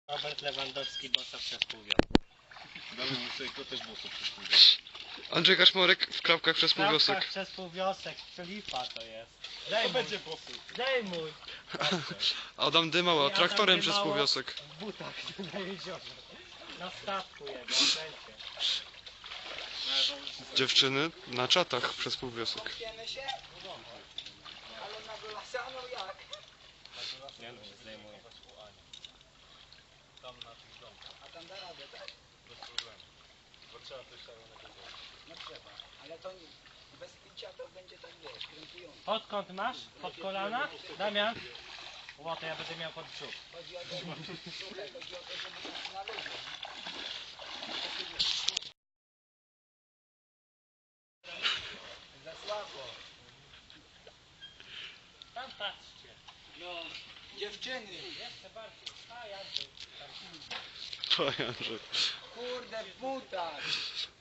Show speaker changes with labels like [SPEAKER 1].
[SPEAKER 1] Robert Lewandowski, bossa przez pół wiosek.
[SPEAKER 2] Damy mu sobie też boso przez pół
[SPEAKER 3] Andrzej Kaczmarek w klapkach przez pół wiosek.
[SPEAKER 1] Klapkach przez pół wiosek, Filipa to jest.
[SPEAKER 2] To będzie bosu.
[SPEAKER 1] Zdejmuj!
[SPEAKER 3] Adam Dymała
[SPEAKER 1] I
[SPEAKER 3] traktorem
[SPEAKER 1] Adam
[SPEAKER 3] przez pół
[SPEAKER 1] Dymało
[SPEAKER 3] wiosek.
[SPEAKER 1] W butach na jeziorze. Na statku jego, wszędzie.
[SPEAKER 3] Dziewczyny na czatach przez pół wiosek.
[SPEAKER 4] Kąpiemy się? Ale na wylasaną jak?
[SPEAKER 1] Nie no, się zdejmuje.
[SPEAKER 4] A tam da radę, tak?
[SPEAKER 2] Bez problemu. Bo trzeba coś szalonego zrobić.
[SPEAKER 4] No trzeba. Ale to nie, bez picia to będzie tak, wiesz, krępujące.
[SPEAKER 1] Podkąd masz? Pod kolana? Damian? Ło, to ja będę miał pod brzuch.
[SPEAKER 4] Chodzi o to, słuchaj, chodzi o to, żeby tak na luzie. Za słabo.
[SPEAKER 1] Tam patrzcie.
[SPEAKER 4] No, dziewczyny.
[SPEAKER 1] Jeszcze bardziej. A, Andrzej.
[SPEAKER 3] To Andrzej.
[SPEAKER 4] Kurde, w butach.